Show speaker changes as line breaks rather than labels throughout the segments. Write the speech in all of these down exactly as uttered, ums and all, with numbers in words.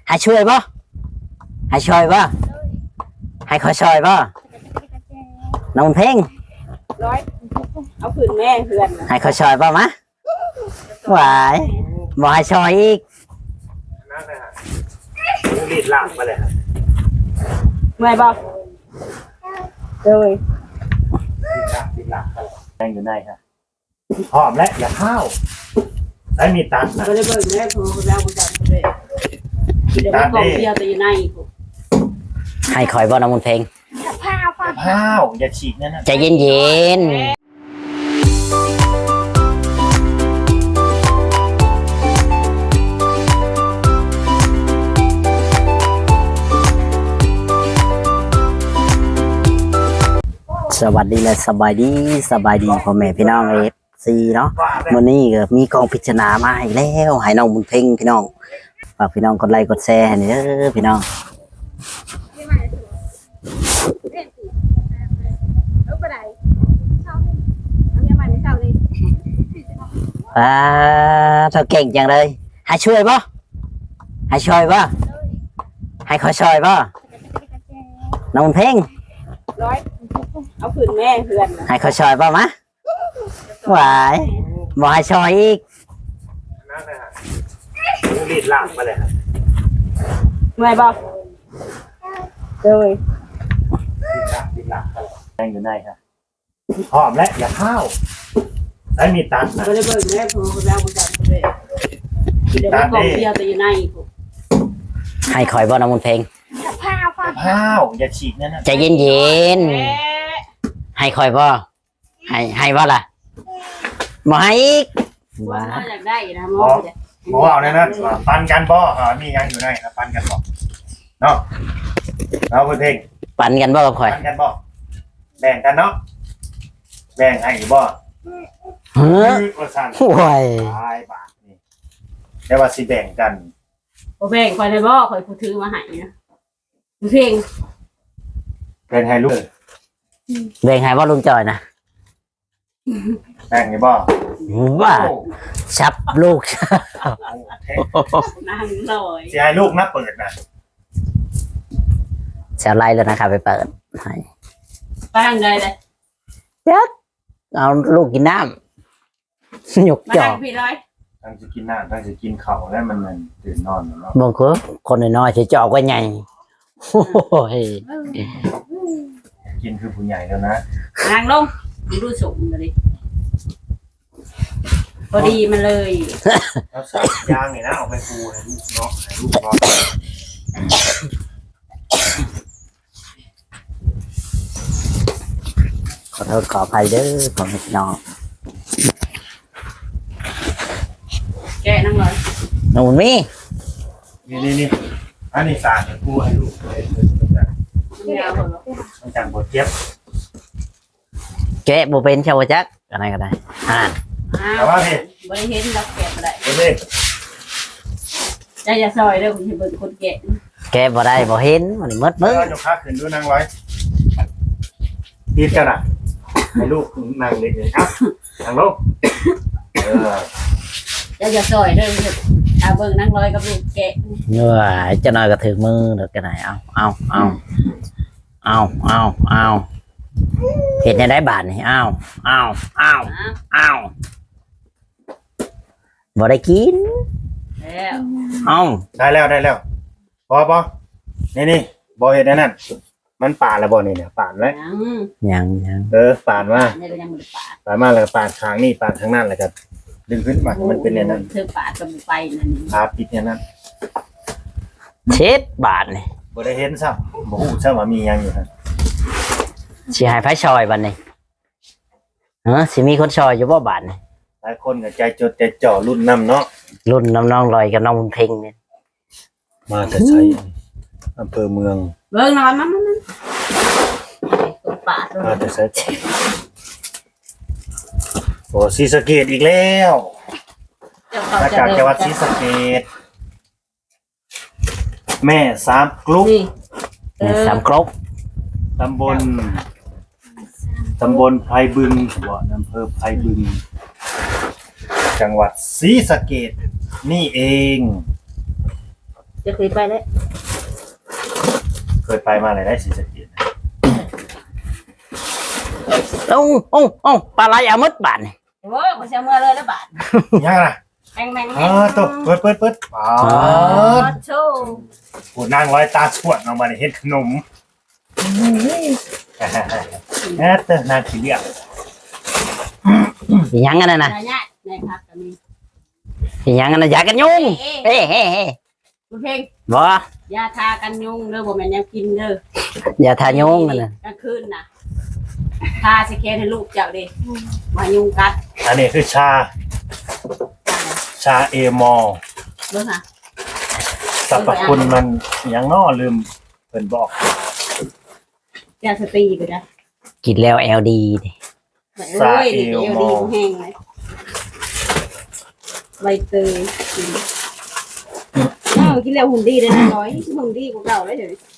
ให้ช่วยบ่ให้ช่วยบ่ให้ขอช่วยบ่น้องเพ่ง
ร้อยเอาผืนแม่เพื่อน
ให้ขอช่วยบ่มะหวายบ่ให้ช่วยอีก
นั่นเลยฮะรีดลากมาเลยฮะ
เมื่อยบ่เลย
รีดลากรีดลากแรงอยู่ในฮะหอมและอย่าข้าวได้มีตัดนะ
ก็เลยเบิ่งแม่พอแล้วกูจับเลยเดี๋ยวมันกองเดียวแต่อยู่ใน
ให้คอยบ่น้องเพ่ง
ข้าวอย่าฉีกนั่นนะ
ใจเย็นๆสวัสดีและสบายดีสบายดีพ่อแม่พี่น้องเอฟซีเนาะวันนี้ก็มีกองพิจารณามาให้แล้วให้น้องบุญเพ่งพี่น้องฝากพี่น้องกดไลค์กดแชร์ให้เด้อพี่น้องอ่าเธอเก่งจังเลยให้ช่วยบ่ให้ช่วยบ่ให้ขอช่วยบ่น้องบุญเพ่ง
ร้อยเอาผืนแม่เพื่อน
ให้ขอช่วยบ่มะหวายบ่ให้ช่วยอีก
นั่นเลยฮะรีดลากมาเลยฮะ
เมื่อยบ่เลย
รีดลากรีดลากแรงอยู่ในฮะหอมและอย่าข้าวได้มีตัดนะ
ก็เลยเบิ่งแม่พอแล้วกูจับเลยเดี๋ยวมันกองเดียวแต่อยู่ใน
ให้คอยบ่น้องบุญเพ่ง
ข้าวอย่าฉีกนั่นนะ
ใจเย็นๆให้คอยบ่ให้ให้บ่ล่ะบ่ให้อีก
ว่าอยากได้นะหมอ
หมอเอาเนี่ยนะปันกันบ่อ่ามียังอยู่ในนะปันกันบ่เนาะเอาเพ่ง
ปันกันบ่กับข่อย
ปันกันบ่แบ่งกันเนาะแบ่งให้บ่
เฮ้อโอ้ย
ตายบาทนี่แต่ว่าสิแบ่งกัน
บ่แบ่งข่อยได้บ่ข่อยผู้ถือมาให้นะเพ่ง
แบ่งให้ลูก
แบ่งให้บ่ลุงจอยนะ
แบ่งให้บ่
ว่าชับลูก
นั่งลอย
สิให้ลูกนะเปิดนะ
จะไล่แล้วนะครับไปเปิดให้
ไปทางใดเลย
เด็กเอาลูกกินน้ำหยกจอก
พี่ร้อย
ทั้งจะกินน้ำทั้งจะกินข้าวแล้วมันมันตื่นนอนเนาะ
บางคนคนน้อยๆจะจอกไว้ไงโอ้ย
กินคือผู้ใหญ่แล้วนะ
นั่งลงดูสูงเลยพอดีมันเลย
แล้วใส่ยางนี่นะเอาไปปูให้ลูกเนาะให้ลูกนอน
ขอโทษขออภัยเด้อผมพี่น้อง
แกนั่งเลย
หนูนี่
นี่นี่นี่อันนี้สารปูให้ลูกเลยต้องจังบดเจ็บ
แกะโบเป็นชาวจักอะไรก็ได้อ่า
แต่ว่าพี่
บริเห็นเราแกะมาได้
พี่
ใจจะซอยเด้อคุณเห็นคนแกะ
แกะบ่ได้บ่เห็นมันมืดมืด
ยกขาขึ้นดูนั่งไว้ตีกันอ่ะให้ลูกนั่งเล็กเลยครับนั่งลงเออ
ใจจะซอยเด้ออาเบิ่งนั่งลอยกับลูกแกะ
เนื้อจะน้อยก็ถือมือเด็กกันไหนเอาเอาเอาเอาเอาเอาเห็นในได้บาทนี่เอาเอาเอาเอาบ่ได้กิน
แล้ว
เอา
ได้แล้วได้แล้วพอปะนี่นี่บอเห็นนั่นมันป่าแล้วบอนี่เนี่ยป่านไหม
ยังยัง
เออป่านว่าป่านมาแล้วป่านทางนี่ป่านทางนั่นแหละครับดึงขึ้นมามันเป็นอย่างนั้น
เธอป่ากับไปนั่น
ปาปิดอย่างนั้น
เช็ดบาทนี่
บ่ได้เห็นซ้ำบ่ฮู้ซ้ำว่ามียังอยู่ฮะ
สิให้ไผซอยบัดนี้เออสิมีคนซอยอยู่บ่บาทนี่
หลายคนก็ใจจดใจจ่อรุ่นน้ำเนาะ
รุ่นน้องๆลอยกับน้องบุญเพ็งนี่
มาแต่ใช้อำเภอเมือง
เบิ่งนอนมันมันป่า
มาแต่ใช้โอ้ศรีสะเกษอีกแล้วมาจากจังหวัดศรีสะเกษแม่สามกรุ๊ป
แม่สามกรุ๊ป
ตำบลตำบลไพบึงหัวอำเภอไพบึงจังหวัดศรีสะเกษนี่เอง
จะเคยไปแล้ว
เคยไปมาเลยได้ศรีสะเกษ
โอ้โอ้โอ้ปลาไหลเอาหมดบาทนี่
โอ้ยมันจะเมื่อเลยแล้วบาท
ยังนะ
แมงแมง
อ๋อตบเปิดเปิดเปิดอ๋อ
โชว์
ผู้นั่งร้อยตาสวดออกมาในเฮ็ดขนมแอบเตอร์นาทีเดียว
อีหยังกันน่ะนะ
นายเนี่ยนายพักกันนี่
อีหยังกันน่ะอยากกันยุงเฮ้เฮ้เฮ้
เพลง
บ่
ยาทากันยุงเด้อบ่แม่นยังกินเด้อ
อย่าทายุงกันน่ะ
กลางคืนน่ะทาสแกนให้ลูกเจ้าเด้มายุงกัด
อันนี้คือชา ชาเอมอล
เบิ่งค่ะ
สรรพคุณมันยังน้อลืมเพิ่นบอก
ยาสตรีไปนะ
กินแล้ว แอล ดี ดิ
โอ้ยเดี๋ยวดีแห้งเลยใบเตยกินอ้าวกินแล้วหุ่นดีเลยนะร้อยหุ่นดีกว่าเก่าแล้วเดี๋ยวนี้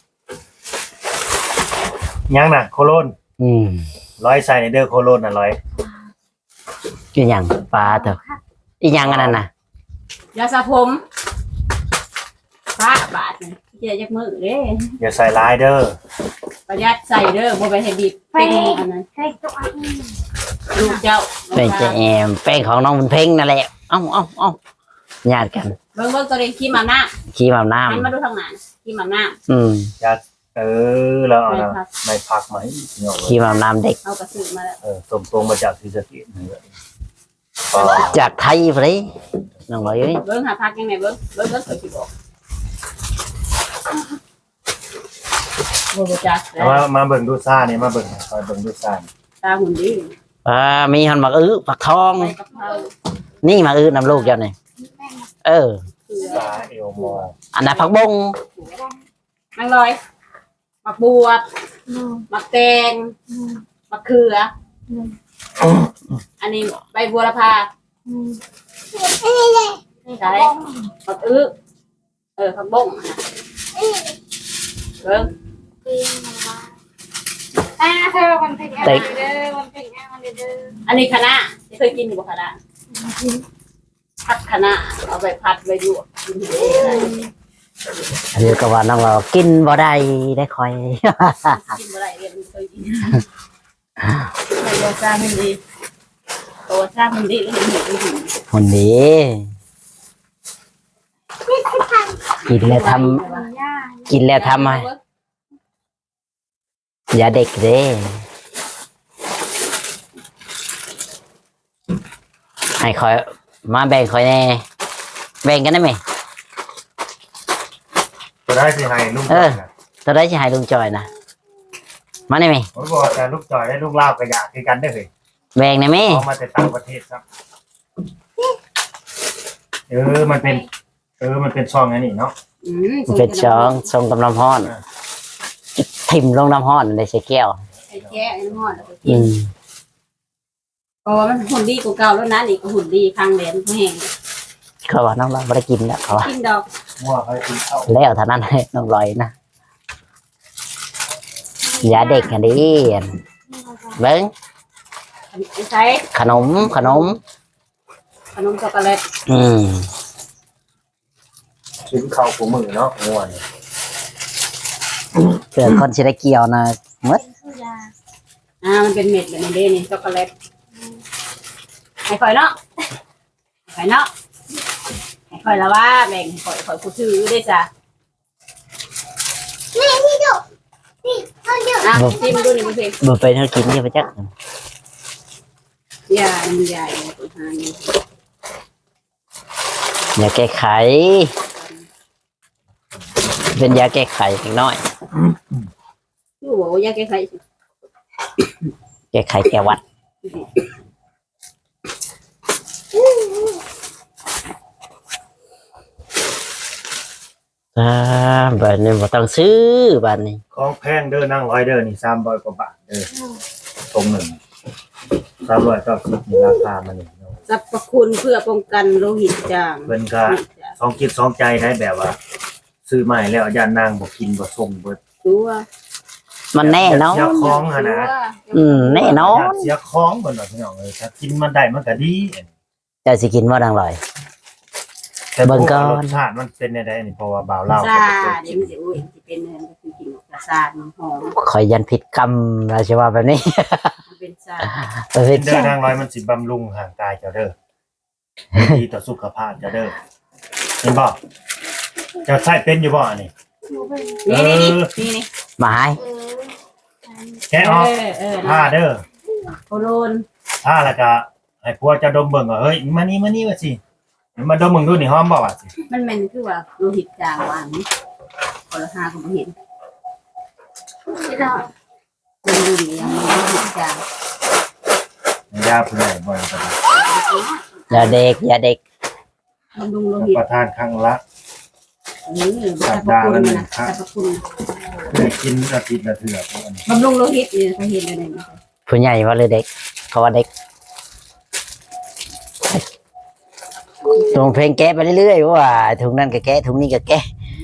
ยังน่ะโคโลน
อืม
ร้อยใส่ในเด้อโคโลนน่ะร้อย
อีหยังปลาเถอะอีหยังกันนั่นน่ะ
ยาสระผมป้าบาทนี่เจ๊ยักมือเด้
อย่าใส่ลายเด้อ
ประหยัดใส่เด้อบ่ไปให้บีบเป็นอันนั้นลูกเจ้า
แป้งเจแอมแป้งของน้องบุญเพ่งนั่นแหละเอ้าเอ้าเอ้าญาติกัน
เบิ่งเบิ่งตัวนี้ขี้มาหน้า
ขี้มาน้
หันมาดูทางหน้าขี้มาหน้า
ำอืม
อย่าเออแล้วเอานะ
ไม่พัก
ไม่พักมาให้พี่น้อง
ขี้มาน้ำเด็ก
เอากระสือมาแล้ว
เออตรงตรงมาจากศรีสะเกษนี่แหละก็
จากไทยไปเลยน้องร้อยเอ้ย
เบิ่งหาพักยังไงเบิ่งเบิ่งเบิ่งเคยสิบอกบ่รู้จัก
เอามามาเบิ่งดูซ่านี่มาเบิ่งคอยเบิ่งดูซ่านี่
ตาหุ่นดี
อ่ามีหันหมักอื้อผักทอง
ใบกะเพรา
นี่หมักอื้อนำลูกเจ้านี่เออ
เกลือ
ซาเอลมอล
อันนั้นผักบง
นางลอยหมักบวบหมักแตงหมักเขืออันนี้ใบบัวละพาใช่หมักอื้อเออผักบงอะนะเบิ่ง
อ่าเธอมันเป็นอะไรเด้อมันเป็นอะไรเด้อ
อันนี้คะน้าเคยกินอยู่บ่คะน้าผัดคะน้าเอาไปผัดไปยั่วกินเองได้
อันนี้ก็ว่าน้องเรากินบ่ได้ได้คอย
กินบ่ได้เรียนเคยกินตัวซ่ามันดีตัวซ่ามันดีแล้วมันเหนียวไม่ถึง
คนดีกินแล้วทำกินแล้วทำไมอย่าเด็กเด้ให้คอยมาแบ่งคอยแน่แบ่งกันได้ไหม
ก็ได้สิให้ลูกจ
เอ
อ
อ
ยนะ
ตัวได้จะให้ลุงจอยนะมาได้ไหม
ผมบอกแต่ลูกจอยได้ลูกลาบก็อยากคือกันได้อเฮ้ย
แบ่งได้ไหม
เอามาแต่ต่างประเทศครับเออมันเป็น เออมันเป็นช่องไงนี่เนาะ
อืม
มันเป็นช้องทรงกำลังห้อนทิ่มลงน้ำห้อนในใส่แก้ว
ไอ้แก่ไอ้หม้อแล้วก็กิ
อื
น
ม
เพราะว่ามันหุ่นดีกว่าเก่าแล้วนะนี่ก็หุ่นดีครั้งแดนเขาแห้ง
เขาว่าน้องเราไม่ได้กินแล้วเขาว่า
กินดอก
มั่วเขาให้กินข้าว
แล้วเท่านั้นให้น้องลอยนะอย่าเด็กกันดิเบิ้ง
ใช้
ขนมขนม
ขนมช็อกโกแลต
อืม
กินข้าวผูมือเนาะง่วน
เกิดคนชิได้เกี่ยวนะมด
คือยา
อ่ามันเป็นเม็ดแบบนี้เด้นี่ช็อกโกแลตให้ข่อยเนาะให้ข่อยเนาะให้ข่อยละว่าแบ่งให้ข่อยข่อยผู้ซื้อได้จ้ะ
นี่ที่ดูนี่เขาเยอะ
อ่ะจิ้มดูนี่มันเพลง
บ่ไปเท่ากินที่พระจัก
ยามันใหญ่ตัวหาง
อย่าแก้ไข เป็นยาแก้ไขเล็กน้อย
ดูบอกว่ายาแก้ไข
แก้ไขแก้หวัดอ่าบัดนี้บ่ต้องซื้อบัดนี้
ของแพงเด้อนั่งร้อยเด้อนี่สามร้อยกว่าบาทเด้อตรงหนึ่งสามร้อยเก้าสิบนี่ราคามันนี่เนาะ
สรรพคุณเพื่อป้องกันโลหิตจาง
เพิ่นก็สองคิดสองใจได้แบบว่า ซื้อใหม่แล้วย่านนางบ่กินบ่ส่งเบิด
ตัว
มันแน่เนาะ
เสียของหั่นนะ
อืมแน่นอน
ย่านเสียของเพิ่นว่าพี่น้องเอ้ยถ้ากินมันได้มันก็ดี
เจะสิกินว่าดังลอย
แต่
เบิ่งก่อน
รสชาติมันเป็นยังไงนี่เพราะว่าบ่าวเล่า
ซาเดี๋ยวมันจะอุ้ยจะเป็นเนื้อมันคือกินกระซาดมันหอม
คอยยันผิดกรรมราชว่าแบบนี้
มันเป็นซา
เออ
เดินทางร้อยมันสิบำรุงห่างกายเจ้าเด้อดีต่อสุขภาพเจ้าเด้อเห็นบ่เจะใช้เป็นอยู่บ่อันนี่
นี่นี่นี่นี่นี่
หมาย
เออ
แกะออก
เออเออ
ผ้าเด้อ
โคโลน
ผ้าแล้วก็ให้ผัวเจะดมเบิ่งว่าเฮ้ยมานี่มานี่ว่าสิมาดมเบิ่งดูนี่หอมบ่ว่าสิ
มันเป็นคือว่าโลหิตจางว่างนี่คนละห้าก็ไม่เห็น
ที่เรา
มันดูดียังมีโลหิตจาง
ยาเพื่อนบ่ได้ก็ได้
อย่าเด็กอย่าเด็ก
มันดูโล
รับ
หิต
ประทานครั้งละ
เออสรรพคุณนะสรรพคุณ
ได้กินอาทิตย์ละเทื่อพวกอันนี้
บำรุงโลหิตนี่เขาเห็นอะไรนี่
ผู้ใหญ่ว่าเลยเด็กเขาว่าเด็กส่งเพลงแก้ไปเรื่อยๆว่าถุงนั้นก็แก้ถุงนี้ก็แก้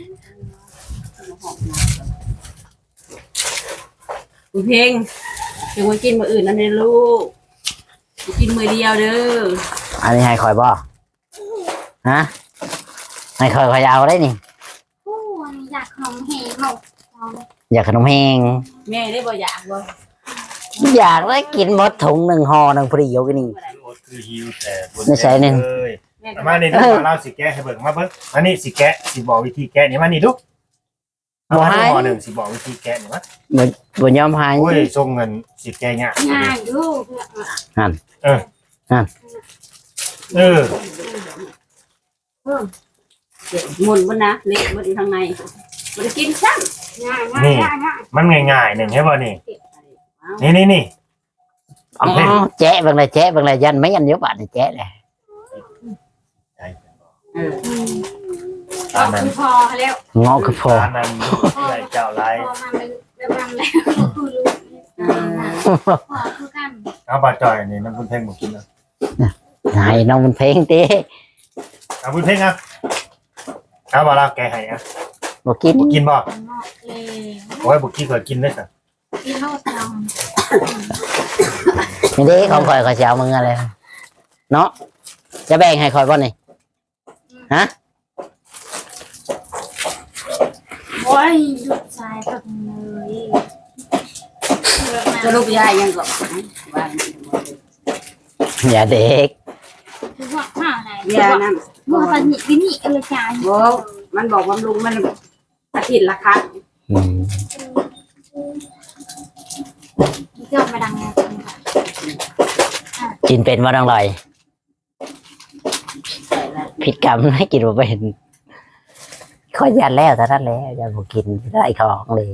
คุณเพลงจะมากินมื้ออื่นนั่นเลยลูกกินมื้อเดียวเด้อ
อันนี้ให้คอยบ่ฮะให้คอยคอยเอาได้นี่
ผู้อยากของเหงเขาเรา
อยากขนมแห้ง
แม่ได้บ่อยากบ่
อยากได้กินหมดถุงหนึ่งห่อหนึ่งพอดีอยู่กันนี่
คือโอ๊ตคือหิวแต่บ
ไม่ใช่นี่
เลย
แม่ก็
มานี่ดูมาเล่าสิแกะให้เบิ่งมาเบิ่งอันนี้สิแกะสิบอกวิธีแกะนี่มานี่ดูเอามาดูห่อหนึ่งสิบอกวิธีแกะนี่มา
บนบนยอมหาย
โอ้ยส่งเงินสิแกะยาก
ง่ายดู
เออเออ
เดี๋ยวหมุนบ่นะเละบ่อยู่ข้างในบ่ได้กินซ้ํ
ง่ายง่ายง่ายง่าย
มันง่ายๆหนึ่งใช่ป่ะนี่
เก็บไป
นี่นี่นี่
อ๋อแจ๊ะบางเลยแจ๊ะบางเลยยันไม่ยันเยอะบาทเลยแจ๊ะเลย
เออ
ตามนั้น
พอแล้ว
งอคือพอ
ตามนั้นใหญ่เจ้าไร
พอมาเป็นเป็นวันแล้วคือรู้
เออ
พอคือกัน
เอาบาจอยนี่น้ำบุญเพ่งมากินนะ
ให้น้องมันเพลงตี
เอาบุญเพ่งอ่ะเอาบาลาแกให้อ่ะ
บอกกิน
บุกินบ่
นอกเลย
โอ้ยบุกี้เคยกินด้วยสิ
ที่โลดเรา
ไม่ได้ของคอยคอยเช้ามึงอะไรเนาะจะแบ่งให้คอยบ่นี่ฮะ
โอ้ยหยุดสายแบบเลย
สรุปยายยังก็ว่า
อย่าเด็ก
คือว่าข้าวไหน
ยานั่น
มัวตอนนี้วินี่เออจาน
บ่มันบอกบำรุงมันอาทิตย์ละครั้ง
อืม
เจ้ามาดังไง
กินเป็นว่าต้องลอยผิดกรรมให้กินมาเป็นข้อยันแล้วแต่นั้นแล้วอย่าบอกกินได้ของเลย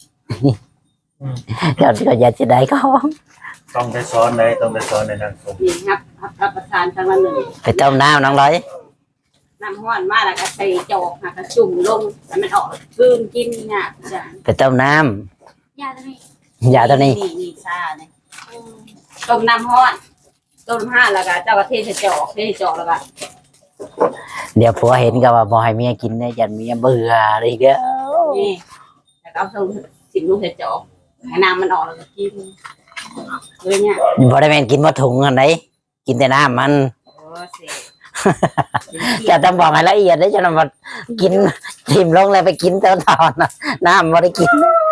เดี๋ยวก็ยันจะได้ของ
ต้องได้ซ้อนเลยต้องได้ซ้อนในนางสม
นี่ครับรับประทานครั้งละหนึ่ง
ไปต้มน้ำน้องร้อย
น้ำห้อนมาแล้วก็ใส่จอกหักกระจุ่มลงให้มันออกคืนกินเนี่ยจ้ะ
ไปต้มน้
ยาตัวนี้
ำอย่าตัวนี้
นี่นี่ชาเนี่ยต้มน้ำห้อนต้มห้าแล้วก็เจ้ากระเทศจอกเทศจอกแล้วก็
เดี๋ยวผัวเห็นก็ว่าบอให้เมียกินได้ยันเมียเบื่ออะไรเด้อ
นี่แล้วก็เอาส่งสิบลูกเทศจอกให้น้ำมันออกแล้วก็กินเลยเนี่ย
บอได้แม่นกินมาถุงอันไหนกินแต่น้ำมัน
โอ้เสีย
จะต้องบอกให้ละเอียดได้จะนำมากินทิมลงเลยไปกินตอนตอนน่ะน้ำบ่ได้กิน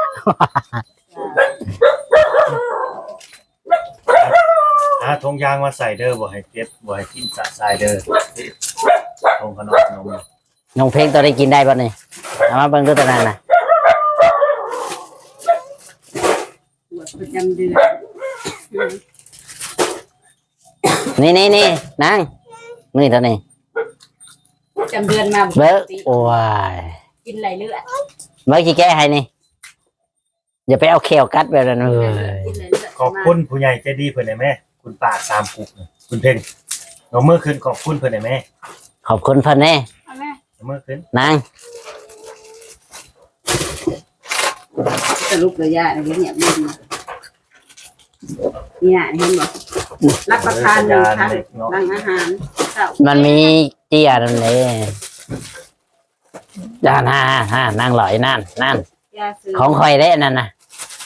หาทงยางมาใส่เด้อบ่ให้เก็บบ่ให้กินสะสายเด้อทงขนมขนม
น้องเพลงตัวได้กินได้ป่ะนี่เอามาเบิ่งดูตัวนั้นน่ะ
หมดประจำเดือน
นี่นี่นี่นางนี่ตัวนี้
ประจำเดือนมา
เบิ้งโอ้ย
กินไหลเลือด
เบิ้งกี่แก้ให้นี่อย่าไปเอาเขียวกัดไปแล้วนะเอ้ย
กินไหลเลือด
ขอบคุณผู้ใหญ่ใจดีเพิ่นได้แม่คุณป้าสามกุกนี่คุณเพ่งเอามือขึ้นขอบคุณเพิ่นได้แม่
ขอบคุณเพิ่นแน่
เอาแม่
เอามือขึ้น
นาง
สรุปเลยยาอะไรเนี่ยมึงเนี่ยเห็นบ่รับประทานหนึ่งครั้งหลังอาหารเช้า
มันมีเจียนั่นเลยด้านห้าห้านางหลอยนั่นนั่น
ยาซื้อ
ของคอยได้นั่นน่ะ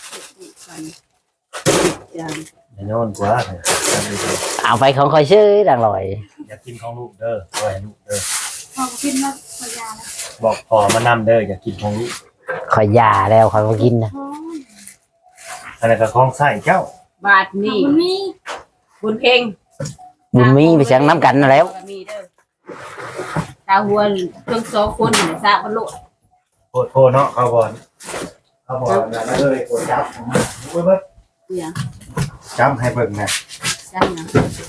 ยา
แน่นอนกว่าจำดี
เอาไปของคอยซื้อนางหลอย
อยากกินของลูกเด้อเอาไว้ให้ลูกเด้อ
พอกินแล้วพอยาแล้ว
บอกพอมานำเด้ออย่ากินของลูก
คอยยาแล้วคอยมากินนะ
ท้อง
อันนั้นก็ของใส่เจ้า
บาทนี่
มันมี
บุญเพ่ง
บุญมีไปเชียงน้ำกันแล้ว
มีเด้อตาหัวเครื่องโซคนหนึ่งซาบลุ
โคตรโคเนาะเขาบอลเขาบอลนั่นเลยโคตรจับเบิ้ง
เนี่ย
จับให้เบิ่งนะ
จังนะ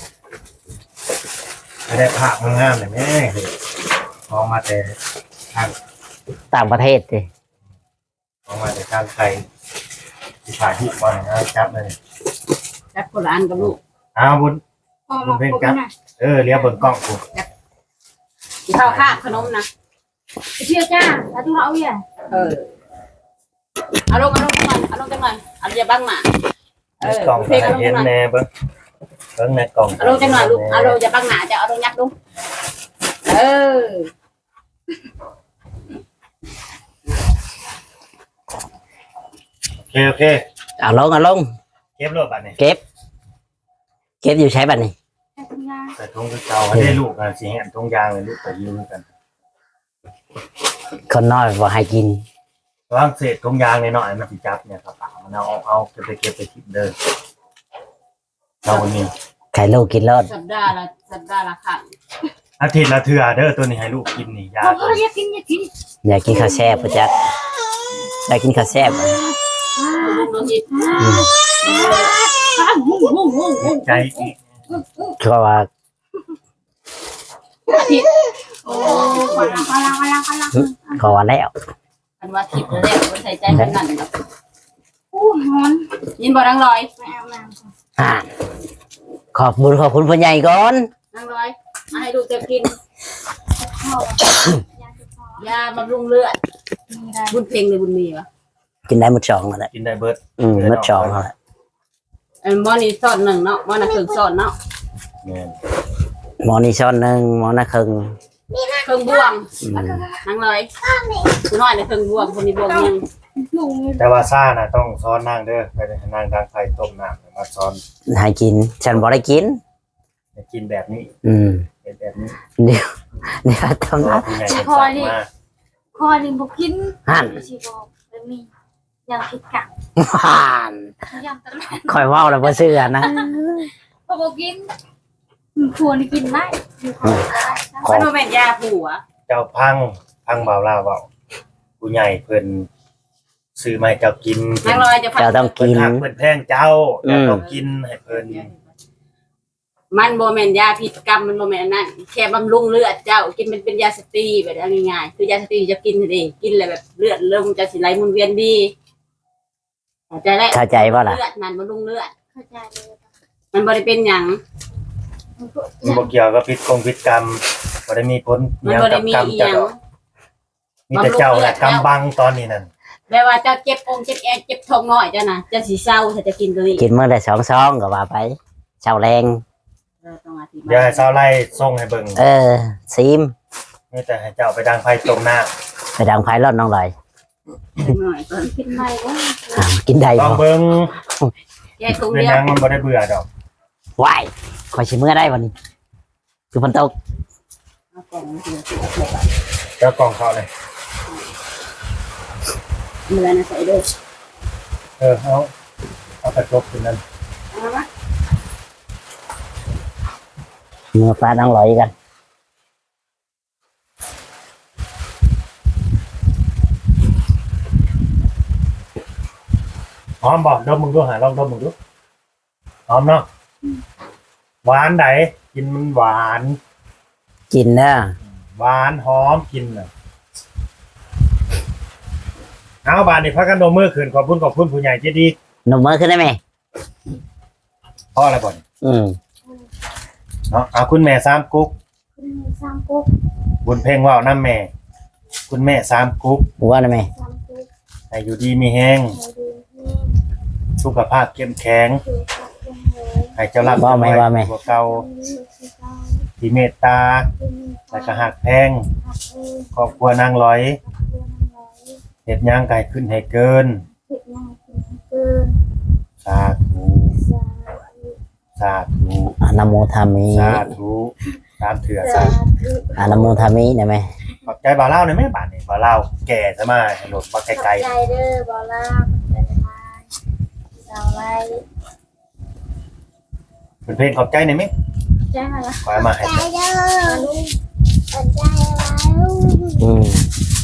ไม่ได้ภาพงามๆเลยแม่ออกมาแต่ทาง
ต่างประเทศเลย
ออกมาแต่ทางไทยที่ถ่ายที่ก่อนนะจับเลย
จับคนละอันกับลูก
อ้าวบุญ
พอมาครบนะ
เออเลี้ยวเบิ่งกล้องกู
ข้าวข้าขนมนะ
เชื่อจ้าแล้วทุกเราเอาอย่าง
เออเอาลงเอาลงจังหน่อยเอาลงจังหน่อยเอาอย่าบังหมาเออก
ล้อง
เพลงเอาลง
เห็
จั
น
งหน่อย
แน่เบิ่งเบิ่งในกล้อง
เอาลงจังหน่อยลูกเอาลงอย่าบังหมาจะเอาลงยักดูเออ
โอเคโอเค
เอาลงเอาลง
เก็บรถบัดนี้
เก็บ เก็บอยู่ใช้บัตรนี่
แต่ทำงาน
ใส่ถุงคือเก่าให้ได้ลูกกันสิเห็นถุงยางเลยลูกไปยืมกัน
คนน้อยบอกให้กิน
วางเศษถุงยางในหน่อยมันสิจับเนี่ยครับมันเอาเอาเก็บไปเก็บไปทิ้งเด้อเราวันนี้
ไข่ลูกกินรอด
สัปดาห์ละสัปดาห์ละครั้ง
อาทิตย์ละเทื่อเด้อตัวนี้ให้ลูกกินนี่ยา
พอ
ตัว
อ
นี้
ยากกินอยากกิน
อยากกินข้าวแซ่บประจักได้กินข้าวแซ่บบ่
ลูกน้องจิต
ใจอีก
ก็ว่า
อาทิตย์โอ้
พลังพลังพลังพลัง
ก็ว่าแล้ว
อันว่าทิพย์แล้วมันใส่ใจกันนั่นแบบ
อู้หอน
ยินบ่นางลอย
แม่แม่
อ่าขอบบุญขอบคุณพ่อใหญ่ก่อน
นางลอยมาให้ลูกจะกิน
พ่อยาคือพ่อย
าบำรุงเลือด
มีได้
บุญเพ่งหรือบุญมีวะ
กินได้หมดสองแล้วแหละ
กินได้เบิด
อืมหมดสองแล้วแหละ
อันมอนี่ซอดหนึ่งเนาะมอน่ะครึ่งซอดเนาะ
แม่น
หมอนี่ช้อนหนึ่งหมอน่ะครึ่ง
ครึ่งบวง
อืม
นางลอยคุณน้อยในครึ่งบวงคนนี้บวงหนึง
ลุง
แต่ว่าซ่าน่ะต้องซ้อนนางเด้อไปให้นางดังไฟต้มน้ำมาซ้อน
ให้กิน ฉันบ่ได้กิน
ให้กินแบบนี้
อืม
เป็นแบบนี้
เดี๋ยวเดี๋ยวทำ
เพ
นะ
ราะผู้ใหญ่เป็นสั่งมา
คอหนึ่งบอกกิน
หั่น
ชีบอกแล้วมีอย่างผิดกัก
ห่าน
อย่างตลอด
คอยเว่าแล้วบ่เชื่อนะ
พอบอกกินควรกินได้อยู่ของได้
ขอ
มันบ่แม่นยาผัว
เจ้าพังพังเบาล่าเบาผู้ใหญ่เพิ่นซื้อมาให้เจ้ากิน
นางลอยจะ
เจ้าต้อง
เพิ่น
กิน
หักเพิ่นแพงเจ้า
อืม
เจ้าต้องกินให้เพิ่น
มันบ่แม่นยาพิษกรรมมันบ่แม่นอันนั่นแค่บำรุงเลือดเจ้ากินเป็นเป็นยาสเตีแบบนั้นง่ายๆคือยาสเตีจะกินเองกินแล้วแบบเลือดเริ่มจะสิไหลหมุนเวียนดีเข้าใจแล้ว
เข้าใจป่ะล่ะ
เลือดมันบำรุงเลือด
เข้าใจเลย
มันบ่ได้เป็นหยัง
มันบ่เกี่ยวกับพิษกงพิษกรรมบ่ได้มีผล
มันบ่ได้มี
กรรม
อีห
เจ้า
ยัง
ดอกมีแต่เจ้าแหละกำบังตอนนี้นั่น
แปลว่าเจ้าเจ็บองค์เจ็บแอเจ็บท้องน้อยเจ้าน่ะเจ้าสิเศร้าถ้าจะกินตัวนี้
กินมื้อละสองซองก็ว่าไปเช้าแรง
เราต้องอธิบาย
เดี๋ยวให้สาวไล่ส่งให้เบิ่ง
เออซีม
นี่แต่ให้เจ้าไปดังไฟต้มน้ำ
ไปดังไฟรอดน้องลอย
หน่อยก่อน
กินได้ว่า
อ้าวกินได้
ลอง
บ่
เบิ่ง
แยกถุง
เป็น
เดีย
ห
ว
ยังมันบ่ได้เบื่อดอก
ว้ายขอยสิมื้อได้วันนี้คือฝนตก
เอากล่องมาเสีย
เจ้ากล่องเขาเลย
เมื่อนะใส่ด้วย
เออเอาเอากระจกขึ้นนั่น
เอามา
มื้อฟ้าน้องลอยกัน
หอมบ่ดมมึงดูหาลองดมมึงดูหอมเนาะหวานไหนกินมันหวาน
กินเด้อ
หวานหอมกินน่ะเอาบานนี่พักกันโดมมือขืนขอบคุณขอบคุณผู้ใหญ่ใจดี
หนุ่มมือขึ้นได้ไหม
พ่ออะไรบ่อน
อืม
เนาะเอาคุณแม่สามกุ๊ก
คุณสามกุ๊ก
บุญเพ่งว่าวน้ำแม่ คุณแม่สามกุ๊ก
ว่าได้ไหม
สามกุ๊ก
ให้อยู่ดีมีแห้ง
ให้ดูที่
สุขภาพเข้มแข็ง
คือขับเป็นเลย
ให้เจ้ารับ
ว่าไหมว่าไหม
กว่าเก่า
ที่ที่เก้า
ที่เมตตา
ที่มี
และก็หักแพง
ขับเอง
ครอบครัวนางร้อย
ขับเรื่องน้อย
เห็ดย่างไก่ขึ้นให้เกิน
ผิดง่ายผิดเกิน
สาธุ
สาธุ
สาธุ
อะนะโมทามิ
สาธุสามเถื่อ
สา
สาธุ
ธ
อานาโมทามิได้ไหม
ขอบใจบ่าวเล่าในอยแม่บาทนี่บ่าวเล่าแก่ซะมาหลดมาไกล
ใจเด้อบอลล่าใจมาสาวไร
ๆเป็นเพลงขอบใจในอยไหม
ใจมาละ
ขอเอามาให้
ใจเด้อลุงใจมาลุง
อืม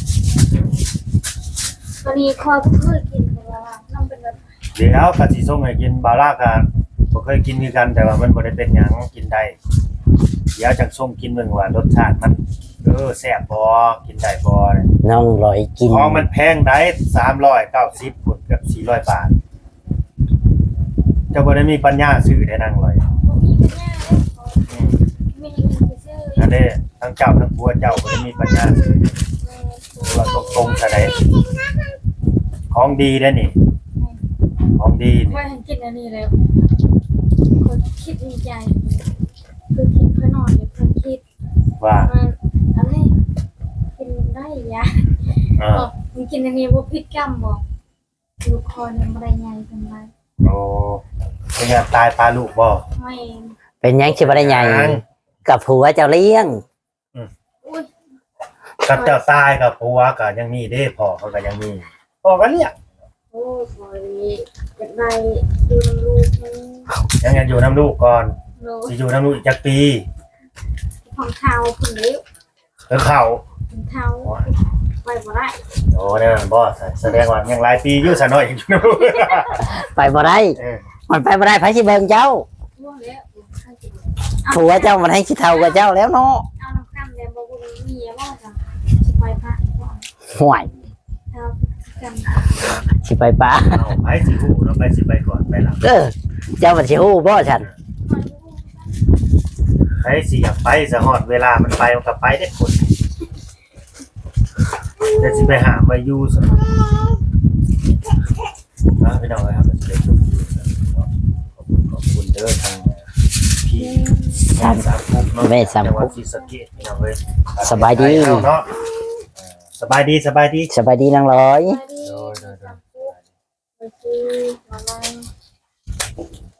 ตอนนี้คอเพื่อกินไปแล้วน้องเป็นแบบ
เดี๋ยวกะสิส่งให้กินบ่าวเล่ากันบ่เคยกินคือกันแต่ว่ามันบ่ได้เป็นหยังกินได้เดี๋ยวจังส่งกินเบิ่งว่ารสชาติมันเออแซ่บบ่กินได้บ่เนี่ย
น้องร้อยกิน
ของมันแพงได้สามร้อยเก้าสิบพุ่นเกือบสี่ร้อยบาทเจ้าบ่ได้มีปัญญาซื้อได้นั่งเลย
มีปัญญาไม่ได้กินซื้อ
นั่นเด้ทั้งเจ้าทั้งผัวเจ้าบ่ได้มีปัญญาซื้อว่าตรงๆซะได้ของดีเด้อนี่ของดีนี่
ว่าฉันกินอันนี้แล้วคนคิดในใจคือคิดเพื่อนอนเนี่ยเพื่อนคิด
ว่า
มันอะไรกินได้ยา
เออ
บอกมึงกินอันนี้ว่าพิษกรรมบอกลูกคอเนี่ยไม่ได้ไงเป็นไร
โอ้เป็นไงตายปลาลูกบ่
ไม่
เป็นหยังชิบะได้ใหญ่กับผัวเจ้าเลี้ยง
อุ้ย
กับเจ้าตายกับผัวก็ยังมีเด้พ่อเขาก็ยังมีพ่อก็เรียก
โอ้ยพอดีอยากได้ดูลูกมัน
ยังยังอยู่น้ำลูกก่อน
โล
สิอยู่น้ำลูกอีกจักปี
ของเท้าผุนเลี้ยว
เออเข้า
ของเท้าไปบ่ได้
โอ้เนี่ยบ่แสดงว่ายังหลายปีอยู่ซะหน่อยอยู่น้ำลูก
ไปบ่ได้
เออ
มันไปบ่ได้ไผสิเบิ่งเจ้า
ทั่วแล้ว
ผัวเจ้ามันให้สิเท่ากับเจ้าแล้วเนาะ
เอาน้ำข้ามเนี่ยบอกว่ามีเมียบ้างจ้ะไปพระ
ห่วย
เท้ากัน
สิไปปะ
เอาไปสิฮู้เราไปสิไปก่อนไปหลัง
เออเจ้ามันสิฮู้บ่ฉัน
ไปสิอยากไปสะฮอดเวลามันไปมันก็ไปได้คนจะสิไปหาไปอยู่ซะนะพี่น้องครับเด็กขอบคุณขอบคุณเด้อทางพี่
สาม
สามคุกเนาะ
แม่สาม
จังหวั
คุ
ด
ก
ศรีสะเกษพี่น้องเอ้ย
สบายดี
เนาะเออสบายดีสบายดี
สบายดีนางร้อย
ไปดีไปดีมาลัง